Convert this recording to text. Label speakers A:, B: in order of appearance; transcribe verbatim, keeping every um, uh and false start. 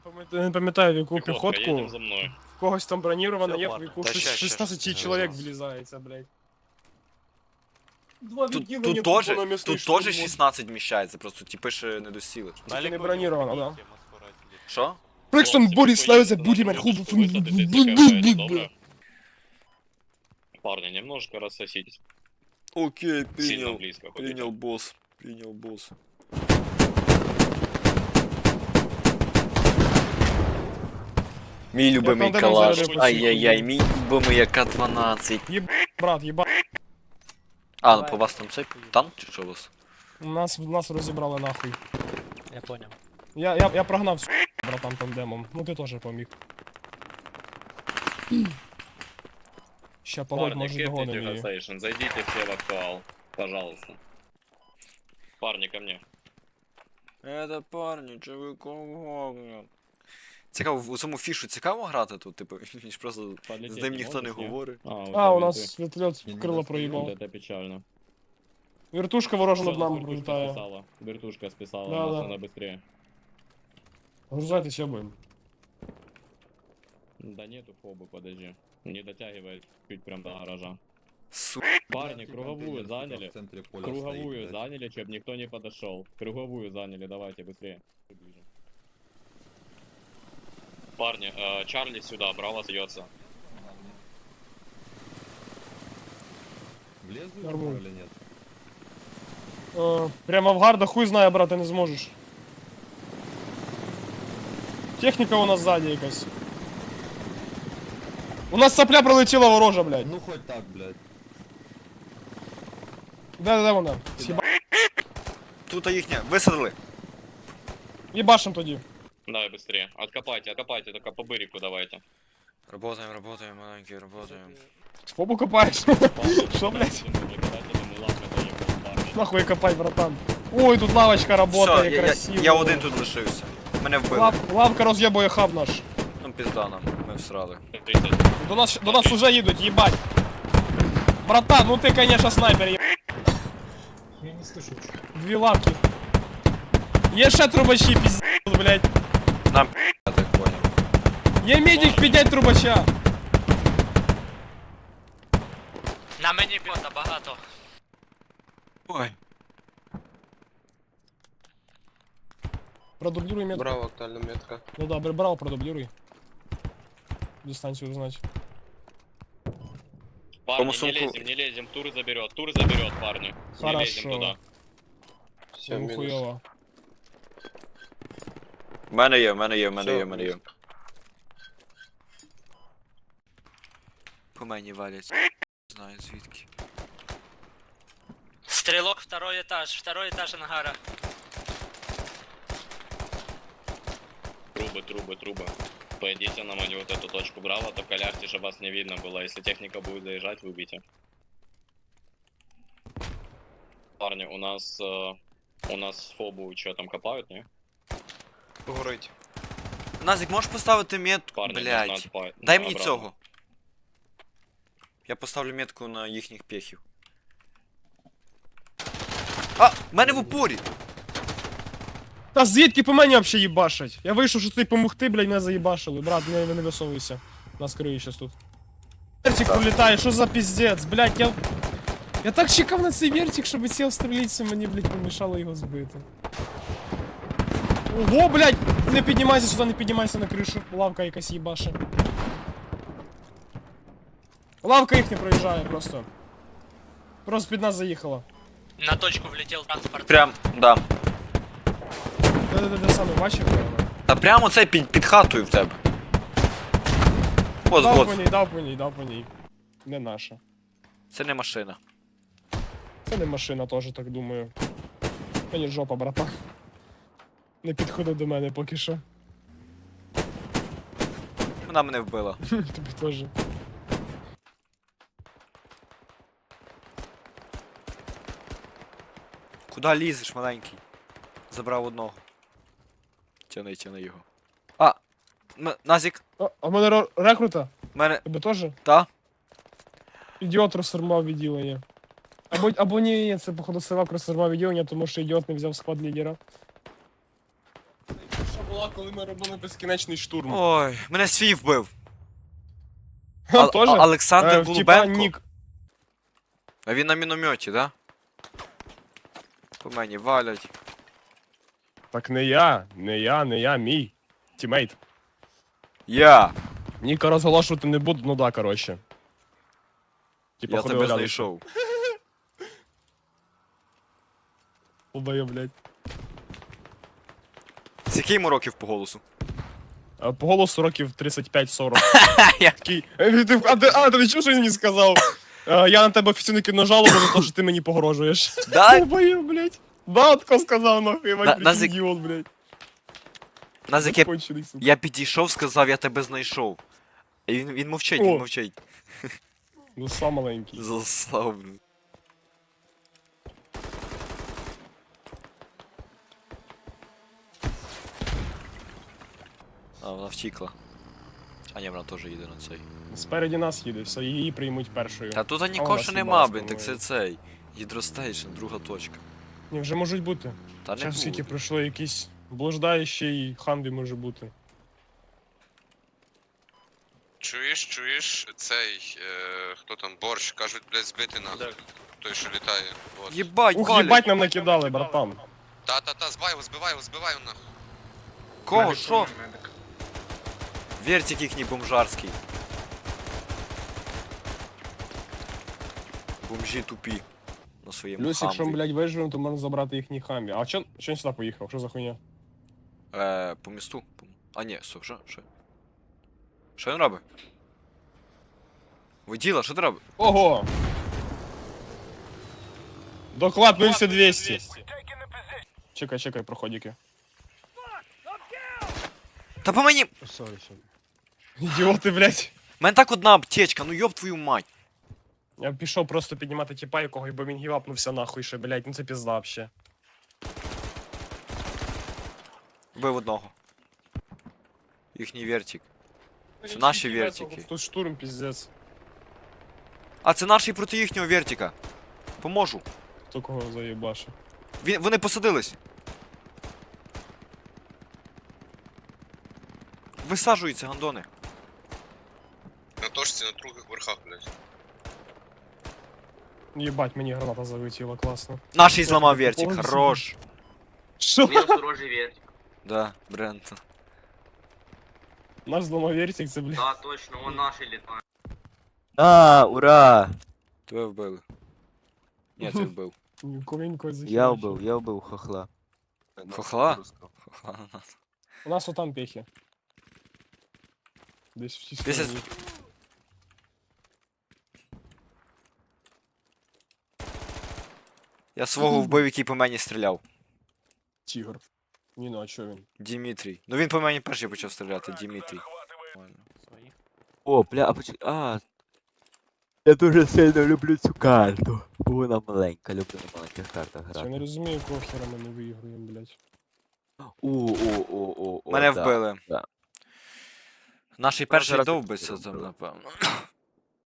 A: Я не пам'ятаю, в яку
B: Пехотка,
A: піхотку.
B: едем за мной.
A: В когось там броніровано,
C: Всё,
A: є, в
C: ладно.
A: яку
C: Та щас, щас,
A: шістнадцять
C: щас,
A: чоловік
C: щас.
A: влізається, блядь. Два
C: Тут,
A: відділення
C: тут
A: тупо
C: тоже,
A: на місний
C: тут тоже
A: штурм.
C: шістнадцять вміщається, просто типи ще не досіли.
A: Тільки не броніровано, да.
C: Що?
A: Брикстон
B: Хлопці,
A: Борис славиться
B: поїдете на
A: будем
B: минуточку, висадитесь, яка добре? Парни, немножко рассоситесь.
C: Окей,
B: Сильно
C: принял.
B: близко.
C: Принял
B: ходите.
C: босс. Принял босс. Мій любимий
A: там
C: калаш.
A: зараз
C: Ай-яй-яй, мій любимий АК дванадцять.
A: Брат, єба.
C: А, ну по вас там цей танк чи що у вас?
A: Нас, нас розібрали нахуй.
D: Я понял.
A: Я, я, я прогнав всю братан тандемом. Ну ти теж поміг. Ща погодь,
B: Парни,
A: може
B: кепните
A: догоним її.
B: Conversation, зайдите все в актуал. Пожалуйста. Парни, ко мне.
C: Это парні, чи ви кого? Цікаво, у цьому фішу цікаво грати тут, типу, ніж просто з ним ніхто не говорить.
A: А, у нас вертольот
E: Я не
A: крило
E: достаю.
A: проїбав.
B: Вот это печально.
A: Вертушка ворожа над
B: Всё,
A: нами
B: вертушка
A: пролітає.
B: списала. Вертушка списала,
A: Да,
B: нас
A: да.
B: надо быстрее.
A: Грузайтесь, я будем.
B: Да нету фобы, подожди. Не дотягивает чуть прям до гаража.
C: Су...
B: Парни, круговую заняли.
E: В центре поля
B: Круговую
E: стоит, блядь.
B: заняли, чтобы никто не подошел. Круговую заняли, давайте быстрее. Ближе. Парни, э, Чарли сюда, Браво остается.
E: Влезу в
A: Нормально.
E: него или нет?
A: Е, Прямо в гарда хуй знає, брат, ти не зможеш. Техніка у нас ззаді якась. У нас сопля пролетіла ворожа, блядь.
E: Ну хоть так, блядь.
A: Де, де вона? Сіба...
C: Тут їхня, висадили.
A: Їбашим тоді.
B: Давай быстрее. Откопайте, откопайте, только по бырику давайте.
C: Работаем, работаем, маленький, работаем.
A: Фобу копаєш?
B: Парни,
A: Що, блядь?
B: не кидайте, не ладно, заебал, парни.
A: Нахуй копай, братан. Ой, тут лавочка
C: Все,
A: работає,
C: я, я,
A: красиво.
C: я один тут лишився. Мене вбили.
A: Лав, лавка роз'єбує хаб наш.
C: Ну пізда нам, ми всрали.
B: тридцать.
A: До нас, до нас уже їдуть, їбать. Братан, ну ти, конечно, снайпер, є...
D: Я не слышу.
A: Дві лавки. Є ще трубачі, пиздец, блядь.
C: Нам я так понял.
A: Є медик, піднять трубача.
D: На мені бота багато.
C: Ой.
A: Продублируй метку.
F: Браво, актуальна метка.
A: Ну да, брал, продублируй. Дистанцию узнать.
B: Парни,
C: Кому
B: не
C: сумку?
B: лезем, не лезем, тур заберет, тур заберет, парни. Не лезем
A: Хорошо.
B: туда.
F: Все,
A: Ну,
F: мінус.
A: хуёво.
C: В мене є, в мене є, в мене
F: Всё,
C: є, в мене є.
F: мінус.
C: По мені валять. Знаю звідки.
D: Стрелок, второй этаж, второй этаж ангара.
B: Трубы, трубы, трубы. Пойдите на мою вот эту точку Браво, только ляжьте, чтобы вас не видно было. Если техника будет заезжать, выбейте. Парни, у нас... э, у нас фобу что там копают, не?
C: Горить. Назик, можеш поставити метку,
B: Парни, нужно
C: блядь.
B: отпа-
C: Дай
B: ну,
C: мені
B: обратно.
C: цього. Я поставлю метку на їхніх пехів. А, в мене в упорі!
A: Та звідки по мені вообще їбашать? Я вийшов, що ти помогти, блядь, мене заїбашили. Брат, не, не висовуйся. Нас криють щас тут. Вертик пролітає, що за піздець, блядь, я... Я так чекав на цей вертик, щоб сів стрілитися, мені, блядь, помішало його збити. Ого, блядь! Не піднімайся сюди, не піднімайся на кришу. Лавка якась їбаше. Лавка їх не проїжджає просто. Просто під нас заїхала.
D: На точку влетел транспорт.
C: Прям, да.
A: Де-де-де саме бачив?
C: Та прямо це під, під хатою в тебе. Ось,
A: Дав по
C: ось.
A: ній, дав по ній, дав по ній. Не наша.
C: Це не машина.
A: Це не машина теж, так думаю. Мені жопа, братан. Не підходи до мене поки що.
C: Вона мене вбила.
A: Тобі теж.
C: Куда лізеш, маленький? Забрав одного. Тяни, тяни його. А! М- Назік,
A: О, а в мене ро- рекрута?
C: в мене.
A: Тебе теж?
C: Та?
A: Ідіот розформав відділення. Або, або ні, ні, це походу Сивак розформав відділення, тому що ідіот не взяв склад лідера. Що була була, коли ми робили безкінечний штурм.
C: Ой, мене свій вбив.
A: Ха,
C: А-
A: Тоже?
C: а- Олександр
A: Е, в типа
C: Голубенко?
A: нік.
C: А він на мінометі, да? По мені валять.
A: Так не я, не я, не я, мій. Тімейт.
C: Я!
A: Ніка розголошувати не буду, ну да, коротше. Типа
C: Я
A: ходили
C: тебе
A: рядом.
C: знайшов.
A: Убою, блядь.
C: З який йому років по голосу?
A: А, По голосу років тридцять п'ять сорок.
C: Я-
A: Такий, «Е, ти- А, ти- а, ти не чув, що він мені сказав? Е, Я на тебе офіційно кину жалобу за те, що ти мені погрожуєш.
C: Да?
A: Убою, блядь. Да, тако сказав, нахуй,
C: На-
A: Іван,
C: нас як-
A: ідіот, блядь.
C: Нас яке...
A: Кончений, сука.
C: Я підійшов, сказав, я тебе знайшов. І він, він мовчить, він
A: О.
C: мовчить.
A: Ну, сам маленький.
C: Заслав, блін. А, вона втікла. А ні, вона теж їде на цей.
A: Спереді нас їде, все, її приймуть першою.
C: Та тут
A: А
C: нікого
A: у
C: ще
A: нас
C: нема,
A: їбалась,
C: блін, так це
A: по-моєму.
C: цей. Гідростейшн, друга точка.
A: Ні, вже можуть бути.
C: Та не
A: Час скільки
C: буде.
A: пройшло, якісь блуждаючий ханбі може бути.
E: Чуєш, чуєш, цей, е, хто там, борщ, кажуть, блядь, збити надо. Той, що літає. Вот.
C: Єбать,
A: Ух,
C: валять!
A: їбать нам накидали, братан.
E: Та-та-та, збивай його, збивай його, збивай його нахуй.
C: Кого? Що? Вертик їхній бомжарський. Бомжі тупі. На своєму
A: Плюс, якщо ми,
C: хамві.
A: блядь, виживемо, то можна забрати їхній хамбі. А чо, чо він сюди поїхав? Що за хуйня?
C: Е, по місту. По- А ні, стоп, що? Що? Що він робить? Воділа, що ти робиш?
A: Ого! Доклад нуль двісті. Чекай, чекай, проходики.
C: Та по мені...
A: Ідіоти, блядь.
C: У мене так одна аптечка, ну йоб твою мать.
A: Я пішов просто піднімати тіпа, якого, бо він гівапнувся нахуй ще, блядь, ну це пізда вообще.
C: Вбив одного. Їхній вертик. Це наші вертики.
A: Тут штурм, піздець.
C: А, це наші проти їхнього вертика. Поможу.
A: Хто кого заєбашив?
C: Він, вони посадились. Висаджуються, гандони.
E: На точці на других верхах, блядь.
A: Єбать, мені граната залетіла, класно.
C: Наший зламав вертик,
A: Ой,
C: хорош.
A: Що?
D: Мінус ворожий вертик.
C: Да, Брентон.
A: Наш зламав вертик, це, блядь.
D: Да, точно, он наший літає.
F: А, ура!
C: Тебе вбили. Ні, ти вбив.
A: Ковенько захищає.
F: Я вбив, я вбив хохла.
C: Хохла? Хохла.
A: У нас отам пехи. Десь в цій
C: Десь
A: стороні.
C: Я свого вбив, який по мені стріляв.
A: Тігр. Ні, ну а чо він?
C: Дімітрій. Ну він по мені перший почав стріляти, Дімітрій. Нормально.
F: О, бля, а поч... А. Я дуже сильно люблю цю карту. Бо вона маленька, люблю на маленьких картах
A: Я не
F: грати.
A: розумію, якого хера ми не виіграємо, блядь.
F: О, о, о, о, о,
C: Мене
F: да.
C: вбили.
F: да.
C: Наший
F: Ну,
C: перший
F: зараз
C: довбиться
F: я
C: там,
F: вбив.
C: напевно.